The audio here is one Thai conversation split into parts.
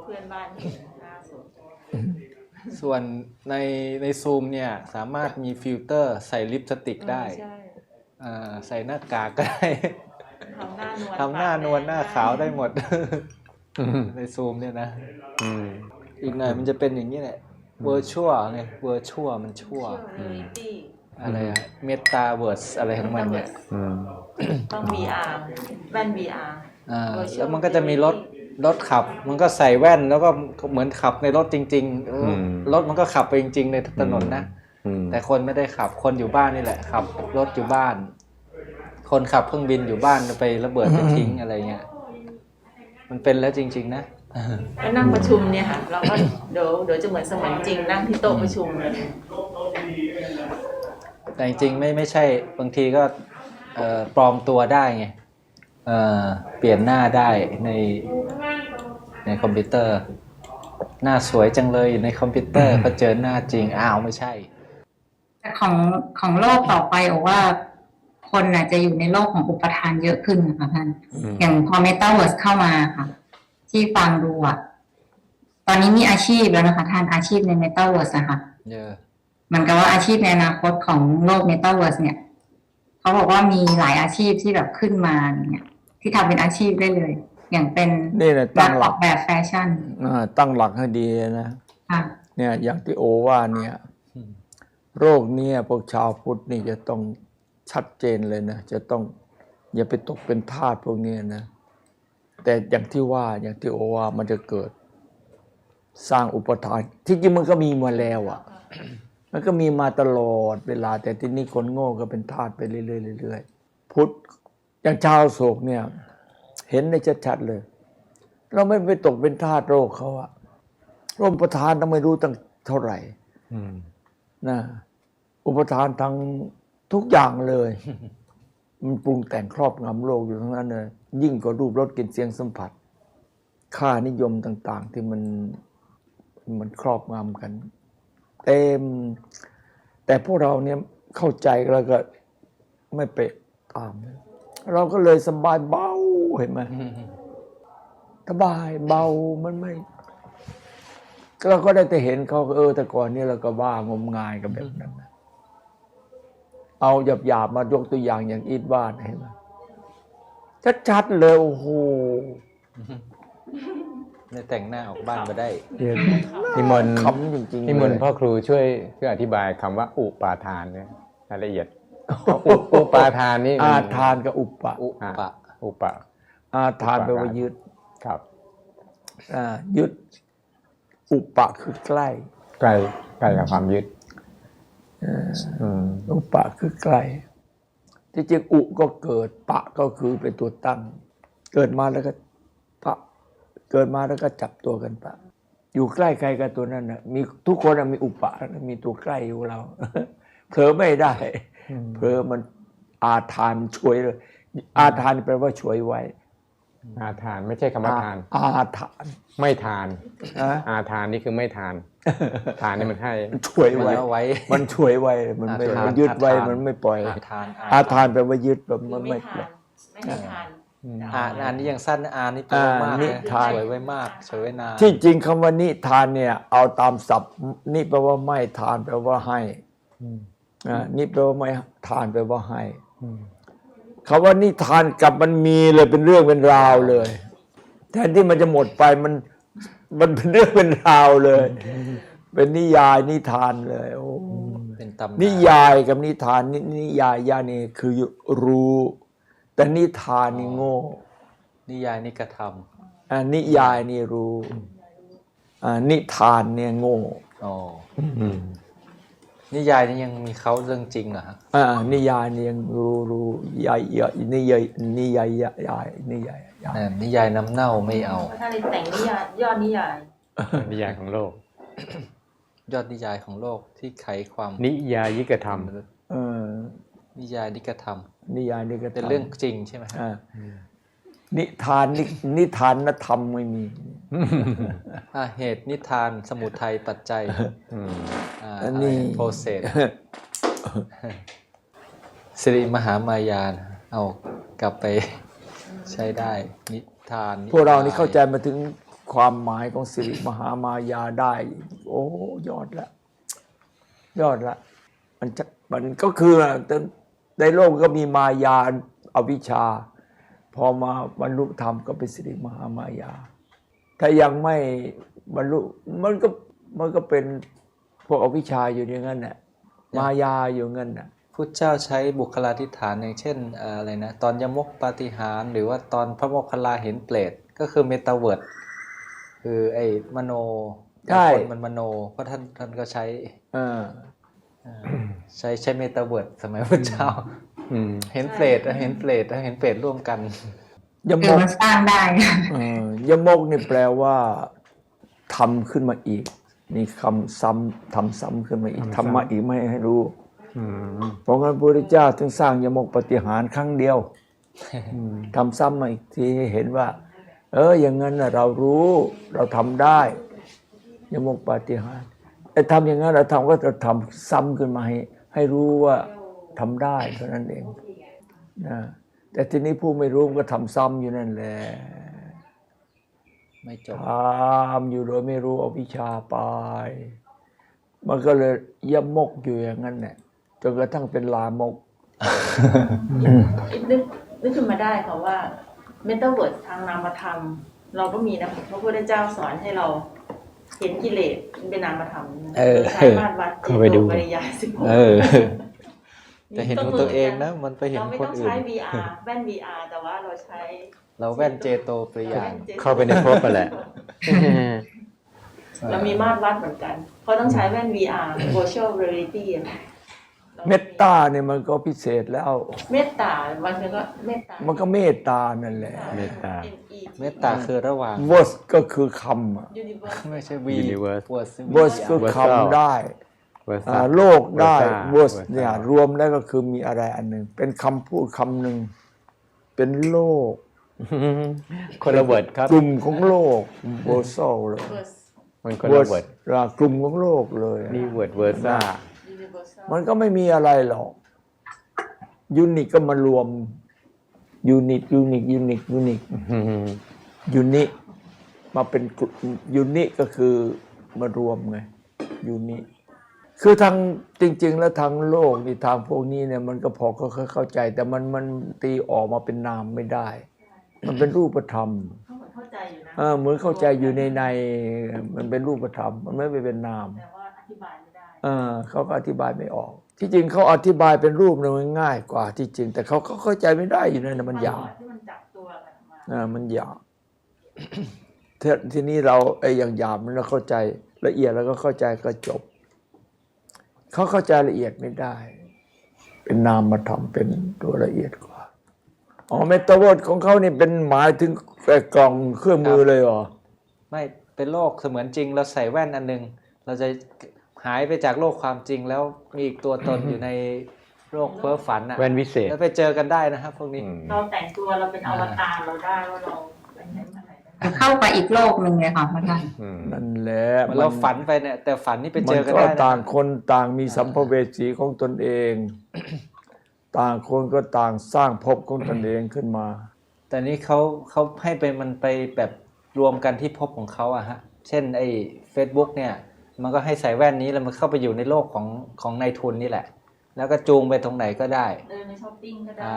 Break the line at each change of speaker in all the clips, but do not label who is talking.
พื่อนบ้านเห็นล่าสุด
ส่วนในซูมเนี่ยสามารถมีฟิลเตอร์ใส่ลิปสติกได้ใส่หน้ากากก็ได้ทำหน้านวลหน้าขาวได้หมดในซูมเนี่ยนะอีกหน่อยมันจะเป็นอย่างนี้แหละเวอร์ชวลไงเวอร์ชวลมันชั่วอะไรอะเมตาเวิร์สอะไรของมันเนี่ย
ต้อง VR แว่น VR
แล้วมันก็จะมีรถขับมันก็ใส่แว่นแล้วก็เหมือนขับในรถจริงๆรถมันก็ขับไปจริงๆในถนนนะแต่คนไม่ได้ขับคนอยู่บ้านนี่แหละขับรถอยู่บ้านคนขับเครื่องบินอยู่บ้านไประเบิดไปทิ้งอะไรเงี้ยมันเป็นแล้วจริงๆนะ
แล้วนั่งประชุมเนี่ยค่ะเราก็เดี๋ยวจะเหมือนเสมือนจริงนั่งที่โต๊ะประชุมเลย
แต่จริงๆไม่ใช่บางทีก็ปลอมตัวได้ไงเปลี่ยนหน้าได้ในคอมพิวเตอร์หน้าสวยจังเลยอยู่ในคอมพิวเตอร์พอเจอหน้าจริงอ้าวไม่ใช่
แต่ของโลกต่อไปบอกว่าคนน่ะจะอยู่ในโลกของอุปทานเยอะขึ้นนะคะท่านอย่างพอ Metaverse เข้ามาค่ะที่ฟังดูอ่ะตอนนี้มีอาชีพแล้วนะคะท่านอาชีพใน Metaverse นะคะเหมือนกับว่าอาชีพในอนาคตของโลก Metaverse เนี่ยเขาบอกว่ามีหลายอาชีพที่แบบขึ้นมาเนี่ยที่ทำเป็นอาชีพได้เลยอย่างเป็นนักออกแบบแฟชั่น
ตั้งหลักให้ดีนะเนี่ยอย่างที่โอว่าเนี่ยโรคนี้พวกชาวพุทธนี่จะต้องชัดเจนเลยนะจะต้องอย่าไปตกเป็นทาสพวกนี้นะแต่อย่างที่ว่าอย่างที่โอว่ามันจะเกิดสร้างอุปทานที่จริงมันก็มีมาแล้วอ่ะมันก็มีมาตลอดเวลาแต่ที่นี่คนโง่ก็เป็นทาสไปเรื่อยๆพุทธอย่างชาวโศกเนี่ยเห็นได้ชัดๆเลยเราไม่ไปตกเป็นทาสโรคเขาอะโรคอุปทานต้องไม่รู้ตั้งเท่าไหร่นะอุปทานทั้งทุกอย่างเลยมันปรุงแต่งครอบงำโลกอยู่ทั้งนั้นเลยยิ่งกว่ารูปรสกลิ่นเสียงสัมผัสค่านิยมต่างๆที่มันครอบงำกันเต็มแต่พวกเราเนี่ยเข้าใจแล้วก็ไม่ไปตามเราก็เลยสบายเบาเห็นไหมสบายเบามันไม่เราก็ได้แต่เห็นเขาแต่ก่อนนี้เราก็บ้างมงายกับแบบนั้นเอาหยาบๆมายกตัวอย่างอย่างอีทบ้านเห็นไหมชัดๆเลยโอ้โห
เนี่ยแต่งหน้าออกบ้านมาได้
นิมนต์
คำจริงๆ
นิมนต์พ่อครูช่วยอธิบายคำว่าอุปาทานเนี่ยรายละเอียดอุปาทานนี่
อาทานกับอุปะอาทานแปลว่ายึด
ครับ
ยึดอุปะคือใกล้
กับความยึด
อุปะคือใกล้ที่จริงอุก็เกิดปะก็คือเป็นตัวตั้งเกิดมาแล้วก็ปะเกิดมาแล้วก็จับตัวกันปะอยู่ใกล้ใครกับตัวนั้นนะมีทุกคนมีอุปะมีตัวใกล้อยู่เราเผลอไม่ได้เผลอมันอาทานช่วยเลยอาทานแปลว่าช่วยไว้
อาทานไม่ใช่คำว่าทาน
อาทาน
ไม่ทานอาทานนี่คือไม่ทานทานนี่มันให้
ช่วยไว้มันช่วยไว้มันไม่ยึดไว้มันไม่ปล่อยอาทานแปลว่ายึดแบบมันไม่
ทาน
อันนี้ยังสั้นอานี่แปลว่ามากสวยไว้มากสวยไว้นาน
ที่จริงคำว่านิทานเนี่ยเอาตามศัพท์นิแปลว่าไม่ทานแปลว่าให้นิแปลว่าไม่ทานแปลว่าให้คำว่านิทานกับมันมีเลยเป็นเรื่องเป็นราวเลยแทนที่มันจะหมดไปมันเป็นเรื่องเป็นราวเลยเป็นนิยายนิทานเลยโอ้
เป็นตำนาน
นิยายกับนิทานนิยายยานี่คือรู้แต่นิทานนี่โง่
นิยายนี่กระท
ำนิยายนี่รู้นิทานเนี่ยโง่
นิยายนี่ยังมีเขาเรื่องจริงเหรอฮะ
นิยายนี่ยังรู้ยายนิยายนิยาย
นิยายน้ำเน่าไม่เอา
ถ้าเลยแต่งนิยายยอดนิยาย
นิยายของโลก
ยอดนิยายของโลกที่ไขความ
นิยายิกธรรม
นิยายนิกธรรม
นิยายนิกธรรม
เป็นเรื่องจริงใช่ไหม
นิทานนิทานธรรมไม่มี
เหตุนิทานสมุทัยปัจจัย
อันนี้
โปรเซสสิริมหามายาเอากลับไปใช้ได้นิทาน
พวกเรานี่เข้าใจมาถึงความหมายของสิริมหามายาได้ โอ้ยอดละยอดละมันก็คือในโลกก็มีมายาอวิชชา พอมาบรรลุธรรมก็เป็นสิริมหามายา ถ้ายังไม่บรรลุมันก็เป็นพวกอวิชชาอยู่อย่างนั้นน่ะมายาอยู่งั้นน่ะ
พุทธเจ้าใช้บุคลาธิฐานอย่างเช่นอะไรนะตอนยมกปาฏิหาริย์หรือว่าตอนพระโมคคัลลาเห็นเปรตก็คือเมตาเวิร์ดคือไอ้มโน
ใช่
คนมันมโนเพราะท่านก็ใช้ใช้เมตาเวิร์ดสมัยพุทธเจ้าเห็นเปรตเห็นเปรตร่วมกัน
ยม
คือก มันสร้างได้
ยมกนี่แปลว่าทำขึ้นมาอีกมีคำซ้ำทำซ้ำขึ้นมาอีกทำมาอีกไม่ให้รู้เพราะงั้นพระพุทธเจ้าถึงสร้างยมกปาฏิหาริย์ครั้งเดียวทำซ้ำมาอีกทีให้เห็นว่าอย่างนั้นน่ะเรารู้เราทำได้ยมกปาฏิหาริย์แต่ทำอย่างนั้นเราทำก็จะทำซ้ำขึ้นมาให้รู้ว่าทำได้เท่านั้นเองนะแต่ทีนี้ผู้ไม่รู้ก็ทำซ้ำอยู่นั่นแหละ
ไม่จบ
ทำอยู่โดยไม่รู้อวิชชาไปมันก็เลยยมกอยู่อย่างนั้นแหละจนกระทั่งเป็นลามก
นึกขึ้นมาได้ค่ะว่าเมตาเวิร์ดทางนามธรรมเราก็มีนะพระพุทธเจ้าสอนให้เราเห็นกิเลสเป็นนามธรรมใช้มาตรวัดจิตโตปริยาย16
จะเห็นของตัวเองนะมันไปเห็นคนอื่น
เราไม่ต้องใช้ VR แว่น VR แต่ว่าเรา
แว่นเจโตปริยาย
เข้าไปในภพไปแหละ
เรามีมาตรวัดเหมือนกันเพราะต้องใช้แว่น VR virtual reality
เมตตาเนี่ยมันก็พิเศษแล้ว
เมตตามันก็เมตตา
มันก็เมตตานั่นแหละ
เมต
ตาคือระหว่าง
verse ก็คือค
ำไม่ใช่
verse คือคำได้โลกได้ verse เนี่ยรวมแล้วก็คือมีอะไรอันหนึ่งเป็นคำพูดคำหนึ่งเป็นโลก
คนละเวิร์ดครับ
กลุ่มของโลก verse เลย
มันคนละเวิร์ด
กลุ่มของโลกเลย
นี่เวิร์ดซ่า
มันก็ไม่มีอะไรหรอกยูนิคก็มารวมยูนิคมาเป็นยูนิคก็คือมารวมไงยูนิคคือทางจริงๆแล้วทางโลกนี่ทางพวกนี้เนี่ยมันก็พอเข้าใจแต่มันตีออกมาเป็นนามไม่ได้มันเป็นรูปธรรม
เข้าใจอยู่นะ
เหมือนเข้าใจอยู่ในมันเป็นรูปธรรมมันไม่เป็นนาม
แต่ว่าอธิบายไม่ได้
เขาก็อธิบายไม่ออกที่จริงเขาอธิบายเป็นรูปเนี่ยมันง่ายกว่าที่จริงแต่เขาเข้าใจไม่ได้อยู่นั่นนะมันยากมันยากทีนี้เราอย่างหยาบเราเข้าใจละเอียดแล้วก็เข้าใจก็จบเขาเข้าใจละเอียดไม่ได้เป็นนามธรรมเป็นตัวละเอียดกว่าเมตาเวิร์ดของเขานี่เป็นหมายถึงกล่องเครื่องมือเลยเหรอ
ไม่เป็นโลกเสมือนจริงเราใส่แว่นอันนึงเราจะหายไปจากโลกความจริงแล้วมีอีกตัวตนอยู่ในโลกเพ้อฝัน
แว่นวิเศษ
แล้วไปเจอกันได้นะครับพวกนี้
เราแต่งตัวเราเป็นอวตารเราได้ว่าเรา
เข้าไปอีกโลกหนึ่งเลยค่ะพระท่าน
นั่นแหละ
เราฝันไปเนี่ยแต่ฝันนี่ไปเจอกันได้
ต่างคนต่างมีสัมภเวสีของตนเองต่างคนก็ต่างสร้างภพของตนเองขึ้นมา
แต่นี้เขาให้ไปมันไปแบบรวมกันที่ภพของเขาอะฮะเช่นไอ้ Facebook เนี่ยมันก็ให้ใส่แว่นนี้แล้วมันเข้าไปอยู่ในโลกของนายทุนนี่แหละแล้วก็จูงไปตรงไหนก็ได้
ในช้อปปิ้งก็ได้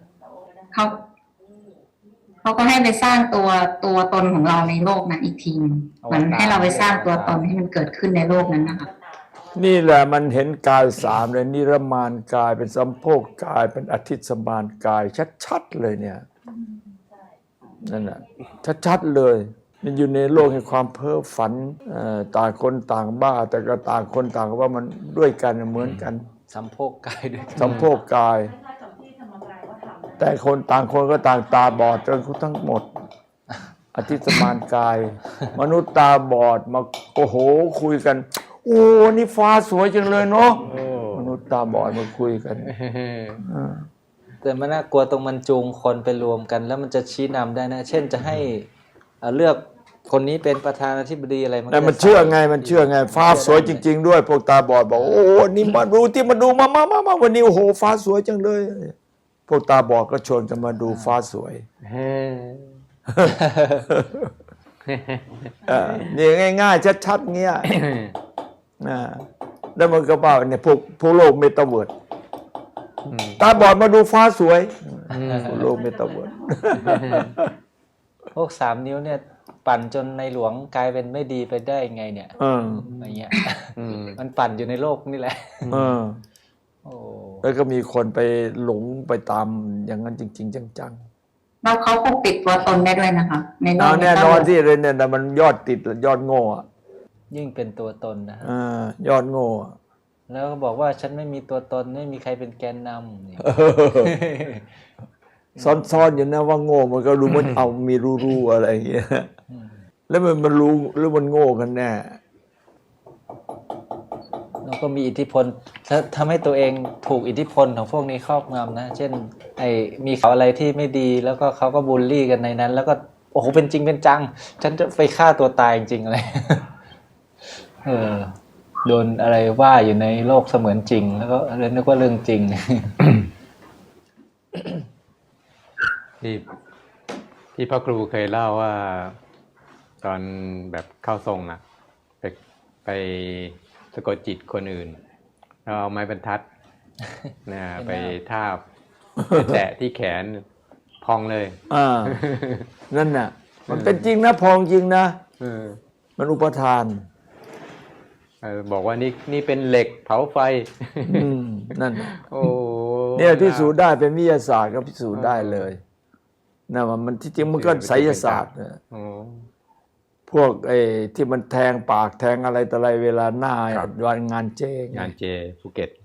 เขาก็ให้ไปสร้างตัวตนของเราในโลกนั้นอีกทีเหมือนให้เราไปสร้างตัวตนให้มันเกิดขึ้นในโลกนั้นนะคะ
นี่แหละมันเห็นกายสามเลยนิรมานกายเป็นสัมโพกกายเป็นอธิสมานกายชัดๆเลยเนี่ยนั่นแหละชัดๆเลยมันอยู่ในโลกแห่งความเพ้อฝันต่างคนต่างบ้าแต่ก็ต่างคนต่างว่ามันด้วยกันเหมือนกัน
สัมโพกกายด้วย
สัมโพกกายแต่คนต่างคนก็ต่างตาบอดจนทั้งหมดอธิสมานกายมนุษย์ตาบอดมาโอ้โหคุยกันโอ้นี่ฟ้าสวยจังเลยเนาะมนุษย์ตาบอดมาคุยกัน
แต่มันน่ากลัวตรงมันจูงคนไปรวมกันแล้วมันจะชี้นำได้นะเช่นจะให้เลือกคนนี้เป็นประธานาธิบดีอะไร
แต่มันเชื่อไงฟ้าสวยจริงๆด้วยพวกตาบอดบอกโอ้นี่มาดูที่มาดูมาวันนี้โอ้โหฟ้าสวยจังเลยพวกตาบอดก็ชวนกันมาดูฟ้าสวยนี่ง่ายๆชัดๆเงี้ยแล้วมันก็เปล่าเนี่ยพวกโลกเมตาเวิร์ดตาบอดมาดูฟ้าสวยพวกโลกเมตาเวิร์ด
พวก3 นิ้วเนี่ยปั่นจนในหลวงกลายเป็นไม่ดีไปได้ไงเนี่ยอะไรเงี้ยมันปั่นอยู่ในโลกนี่แหละโอ้
แล้วก็มีคนไปหลงไปตามอย่างนั้นจริงๆจังๆ
แล้วเขาปกปิดตัวตนได้ด้วยนะคะในโลก
แน่นอนที่เลยเนี่ยมันยอดติดยอดโง่
ยิ่งเป็นตัวตนนะ
ยอดโง่
แล้วก็บอกว่าฉันไม่มีตัวตนไม่มีใครเป็นแกนนำ
ซ่อนๆอยู่นะว่าโง่มันก็รู้มันเอามีรู้อะไรอย่างเงี้ยแล้วมันรู้หรือมันโง่กันแน่
แล้วก็มีอิทธิพลทำให้ตัวเองถูกอิทธิพลของพวกนี้ครอบงำนะเช่นมีข่าวอะไรที่ไม่ดีแล้วก็เขาก็บูลลี่กันในนั้นแล้วก็โอ้โหเป็นจริงเป็นจังฉันจะไปฆ่าตัวตายจริงๆอะไรโดนอะไรว่าอยู่ในโลกเสมือนจริงแล้วก็เลยนึกว่าเรื่องจริง
ที่พ่อครูเคยเล่าว่าตอนแบบเข้าทรงอะไปสะกดจิตคนอื่นเราเอาไม้บรรทัดนะไปทาบแตะที่แขนพองเลย
นั่นน่ะมันเป็นจริงนะพองจริงนะมันอุปทาน
บอกว่านี่เป็นเหล็กเผาไฟ
นั่นโอ้เนี่ยพิสูจน์ได้เป็นวิทยาศาสตร์ก็พิสูจน์ได้เลยนะว่ามันที่จริงมันก็ไสยศาสตร์พวกที่มันแทงปากแทงอะไรต่ออะไรเวลาหน้าวันงานเจ
ภูเก็ต